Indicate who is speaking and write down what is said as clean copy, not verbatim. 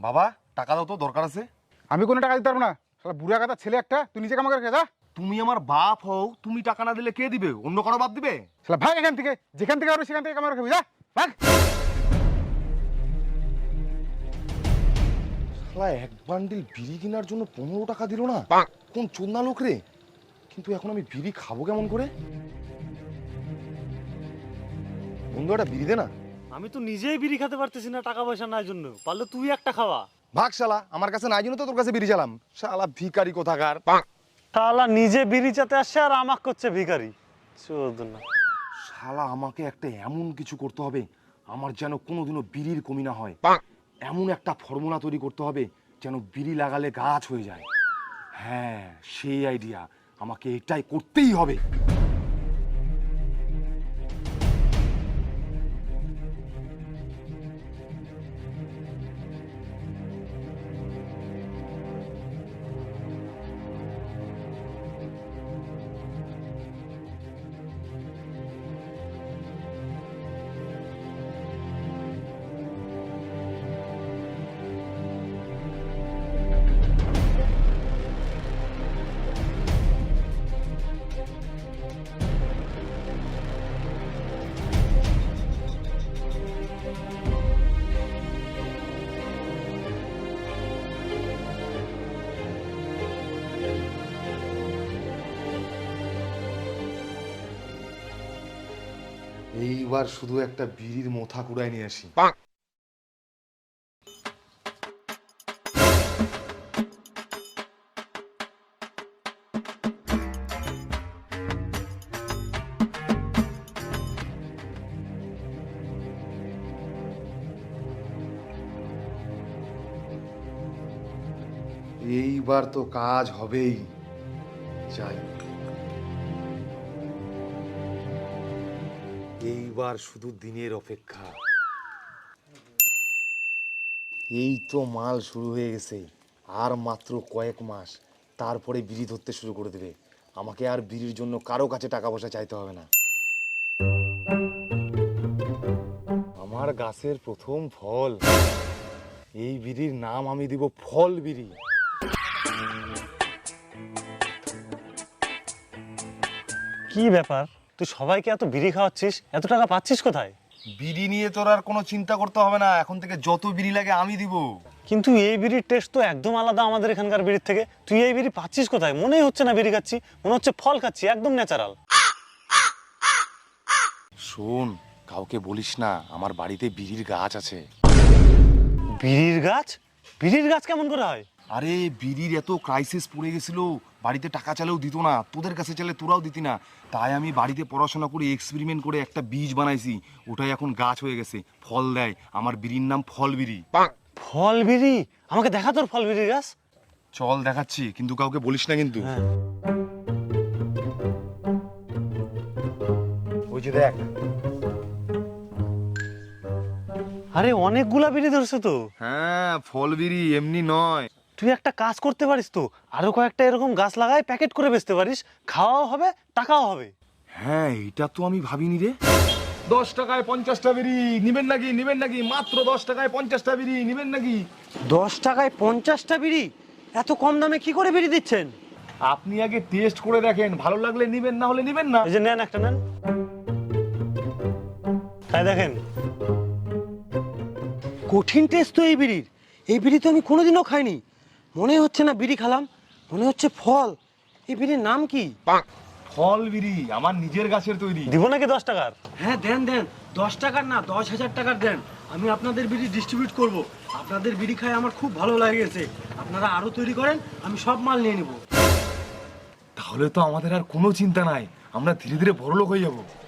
Speaker 1: বাবা টাকা দাও তো, দরকার আছে।
Speaker 2: আমি কোনো টাকা দিতে পারবো না, শালা বুড়া গাদা ছেলে একটা, তুই নিজে কামাকে রেখে যা।
Speaker 1: তুমি আমার বাপ হও, তুমি টাকা না দিলে কে দিবে? অন্য কারো বাপ দিবে?
Speaker 2: শালা ভাগ এখান থেকে, যেখান থেকে পারবি সেখান থেকে কামাকে রেখে যা, ভাগ।
Speaker 1: শালা এক বান্ডিল বিড়ি কেনার জন্য 15 টাকা দিল না, কোন চোদনা লোক রে। কিন্তু এখন আমি বিড়ি খাবো কেমন করে? বন্ধু একটা বিড়ি দে না।
Speaker 3: আমি তো নিজেই বিড়ি খেতে পারতেছি না টাকা পয়সা নাই জন্য, পারলে তুই একটা খাওয়া।
Speaker 1: ভাগ শালা, আমার কাছে নাই জন্য তো তোর কাছে বিড়ি চালাম। শালা ভিখারি কোথাকার।
Speaker 3: শালা নিজে বিড়ি চাতে আসছে আর আমাক করছে ভিখারি। চোদনা।
Speaker 1: শালা আমাকে একটা এমন কিছু করতে হবে আমার যেন কোনোদিনও বিড়ির কমি না হয়। এমন একটা ফর্মুলা তৈরি করতে হবে যেন বিড়ি লাগালে গাছ হয়ে যায়। হ্যাঁ, সেই আইডিয়া, আমাকে এটাই করতেই হবে। এইবার শুধু একটা বিড়ির মোথা কুড়ায় নিয়ে আসি। এইবার তো কাজ হবেই, যাই। এইবার শুধু দিনের অপেক্ষা। এই তো মাল শুরু হয়ে গেছে, আর মাত্র কয়েক মাস, তারপরে বিড়ি ধরতে শুরু করে দেবে। আমাকে আর বিড়ির জন্য কারো কাছে টাকা পয়সা চাইতে হবে না। আমার গাছের প্রথম ফল, এই বিড়ির নাম আমি দিব ফল বিড়ি।
Speaker 3: কি ব্যাপার, তুই সবাইকে এত বিড়ি খাওয়াচ্ছিস, এত টাকা পাচ্ছিস কোথায়?
Speaker 1: বিড়ি নিয়ে তোর আর কোনো চিন্তা করতে হবে না, এখন থেকে যত বিড়ি লাগে আমি দিব।
Speaker 3: কিন্তু এই বিড়ির টেস্ট তো একদম আলাদা আমাদের এখানকার বিড়ির থেকে। তুই এই বিড়ি পাচ্ছিস কোথায়? মনেই হচ্ছে না বিড়ি খাচ্ছি, মনে হচ্ছে ফল খাচ্ছি, একদম ন্যাচারাল।
Speaker 1: শোন, কাউকে বলিস না, আমার বাড়িতে বিড়ির গাছ আছে।
Speaker 3: বিড়ির গাছ? বিড়ির গাছ কেমন করে হয়?
Speaker 1: আরে বিড়ির এত ক্রাইসিস পড়ে গেছিল, বাড়িতে টাকা চালেও দিত না, তোদের কাছে চাইলে তোরাও দিতি না। তাই আমি বাড়িতে পড়াশোনা করে এক্সপেরিমেন্ট করে একটা বীজ বানাইছি, ওটাই এখন গাছ হয়ে গেছে, ফল দেয়। আমার বিড়ির নাম ফল বিড়ি।
Speaker 3: ফল বিড়ি? আমাকে দেখা তোর ফল বিড়ির গাছ।
Speaker 1: চল দেখাচ্ছি, কিন্তু কাউকে বলিস না কিন্তু।
Speaker 3: হ্যাঁ।
Speaker 1: ওই যে দেখ।
Speaker 3: আরে অনেকগুলা বিড়ি ধরছে তো।
Speaker 1: হ্যাঁ, ফল বিড়ি, এমনি নয়।
Speaker 3: তুই একটা কাজ করতে পারিস তো, আরো কয়েকটা এরকম গাছ লাগাই প্যাকেট করে বেচতে পারিস, খাওয়াও হবে টাকাও হবে।
Speaker 1: হ্যাঁ, এটা তো আমি ভাবিনি রে। 10 টাকায় 50টা বিড়ি নিবেন নাকি? নিবেন নাকি? মাত্র 10 টাকায় 50টা বিড়ি নিবেন নাকি?
Speaker 3: 10 টাকায় 50টা বিড়ি? এত কম দামে কি করে বিড়ি দিচ্ছেন?
Speaker 1: আপনি আগে টেস্ট করে দেখেন, ভালো লাগলে নিবেন, না হলে নিবেন না।
Speaker 3: এই যে নেন, একটা নেন, তাই দেখেন। কঠিন টেস্ট তো এই বিড়ির। এই বিড়ি তো আমি কোনোদিনও খাইনি, মনে হচ্ছে না বিড়ি খেলাম, মনে হচ্ছে ফল। এই বিড়ির নাম কি?
Speaker 1: ফল বিড়ি, আমার নিজের গাছের তৈরি।
Speaker 3: দিব নাকি 10 টাকার?
Speaker 4: হ্যাঁ দেন দেন, 10 টাকার না 10,000 টাকার দেন। আমি আপনাদের বিড়ি ডিস্ট্রিবিউট করব। আপনাদের বিড়ি খাই আমার খুব ভালো লেগেছে, আপনারা আরো তৈরি করেন, আমি সব মাল নিয়ে নিব।
Speaker 1: তাহলে তো আমাদের আর কোনো চিন্তা নাই, আমরা ধীরে ধীরে বড়লোক হয়ে যাব।